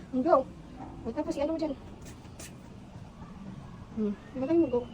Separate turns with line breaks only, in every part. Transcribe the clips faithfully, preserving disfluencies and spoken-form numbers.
Go. O, tapos i-ano mo dyan. Hmm. Ilagay mo, go.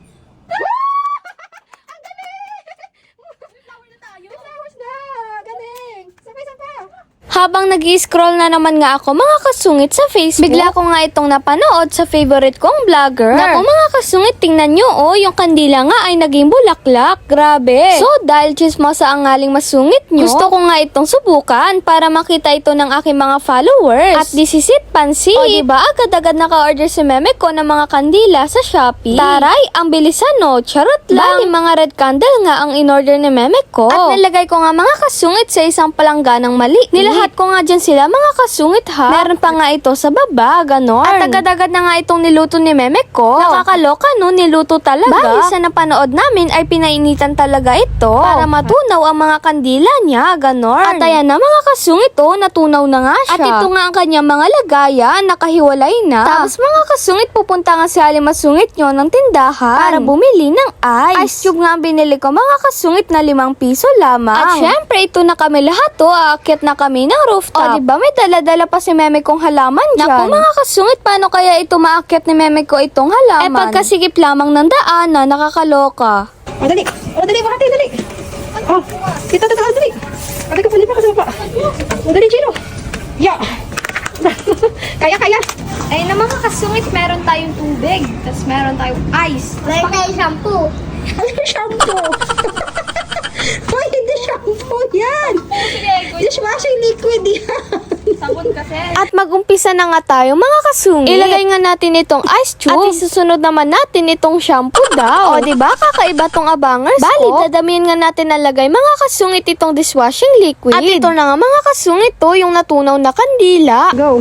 Ang galing! May flower na tayo. May flowers na. Galing. Sabay-sabay.
Habang nag-i-scroll na naman nga ako mga kasungit sa Facebook, bigla ko nga itong napanood sa favorite kong vlogger. Naku mga kasungit, tingnan nyo oh, yung kandila nga ay naging bulaklak. Grabe. So dahil chismosa ang ngaling masungit nyo, gusto ko nga itong subukan para makita ito ng aking mga followers. At this is it, pansin. O diba, agad-agad naka-order si meme ko ng mga kandila sa Shopee. Taray, ang bilisan no, charot lang. Bali, mga red candle nga ang in-order ni meme ko. At nilagay ko nga mga kasungit sa isang palangganang mali. Nilahat ko nga dyan sila mga kasungit ha. Meron pa nga ito sa baba, ganon. At agad-agad na nga itong niluto ni meme ko. Nakakaloka no, niluto talaga. Bali, sa napanood namin ay pinainitan talaga ito para matunaw ang mga kandila niya, ganon. At ayan na mga kasungit oh, natunaw na nga siya. At ito nga ang kanyang mga lagayan, nakahiwalay na. Tapos mga kasungit, pupunta nga si Haling Masungit nyo ng tindahan para bumili ng ice. Ice cube nga ang binili ko mga kasungit na limang piso lamang. At syempre, ito na kami lahat to, aakyat na kami ng rooftop. O diba, may dala-dala pa si meme kong halaman dyan. Naku mga kasungit, paano kaya ito maakyat ni meme ko itong halaman? Eh pagkasigip lamang ng daan na nakakaloka.
O, dali. O, dali, bakit dali. O, kita tataas, dali. Patay ka, palipa ka sa baba. O, dali, Chino. Ya. Kaya, kaya.
Ay na mga kasungit, meron tayong tubig. Tapos meron tayong ice.
Meron tayong shampoo.
Ano shampoo? Hoy, hindi shampoo yan. Dishwashing liquid yan.
Sabon kasi. At mag-umpisa na nga tayo mga kasungit. Ilagay nga natin itong ice cube. At isusunod naman natin itong shampoo daw. O diba, kakaiba tong abangers ko. Bali, dadamihan nga natin nalagay mga kasungit itong dishwashing liquid. At ito na nga mga kasungit to, yung natunaw na kandila.
Go.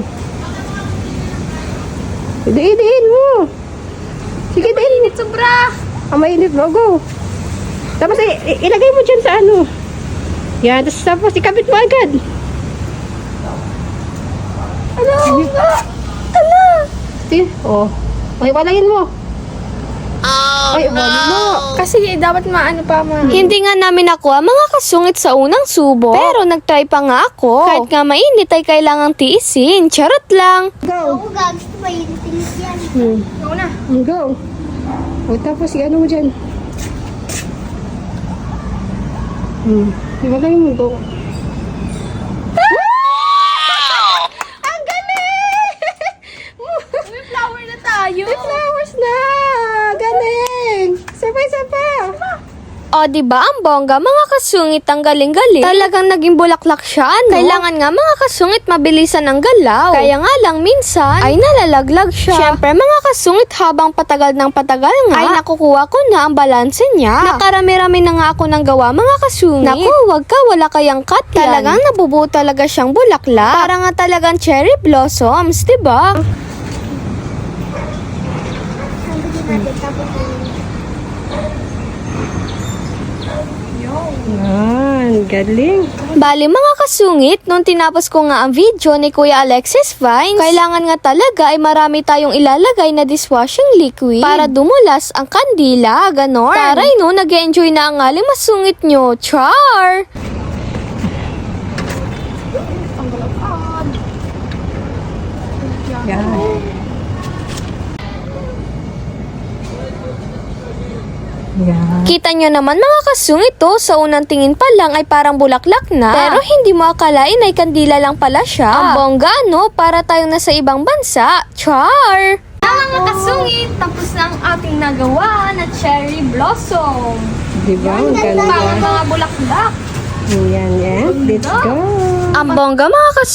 Diin-diin mo. Sige, diin.
Sobra.
Ang mainit mo, go. Tapos i- i- ilagay mo dyan sa ano. Yan, tapos, tapos ikabit mo agad.
Ano nga? Ala.
Sige, oh. Okay, walayin mo.
Oh,
Ay, wala mo.
Kasi dapat maano pa ma. Hindi nga namin nakuha mga kasungit sa unang subo. Pero nagtry pa nga ako. Kahit nga mainit ay kailangang tiisin. Charot lang.
Go.
Oo, gags ko ba yung tinis yan?
Hmm.
Go na.
Go. O, tapos i-ano mo dyan. Hmm. Ilagay mo, go.
Ang galing! May flower na tayo.
May flowers na! Galing! Sabay-sabay!
O, diba ang bongga, mga kasungit ang galing-galing. Talagang naging bulaklak siya, no? Kailangan nga mga kasungit mabilisan ang galaw. Kaya nga lang minsan ay nalalaglag siya. Siyempre mga kasungit, habang patagal ng patagal nga, ay nakukuha ko na ang balanse niya. Nakarami-rami na nga ako ng gawa mga kasungit. Naku, wag ka, wala kayang cut yan. Talagang nabubuo talaga siyang bulaklak. Para nga talagang cherry blossoms, diba?
Sabi natin, tapos
Yan, galing.
Bali mga kasungit, nung tinapos ko nga ang video ni Kuya Alexis Vines, kailangan nga talaga ay marami tayong ilalagay na dishwashing liquid para dumulas ang kandila, ganon. Taray no, nag-enjoy na ang aling masungit nyo, char!
Yan. Yan.
Kita nyo naman mga kasungit to, sa unang tingin pa lang ay parang bulaklak na. Pero hindi mo akalain ay kandila lang pala siya. Ang bongga no, para tayong nasa ibang bansa, char! Mga kasungit, tapos na ang ating nagawa na cherry blossom.
Diba? Ang galing.
Parang mga bulaklak.
Yan, yan. Let's go.
Ang bongga mga kasungit.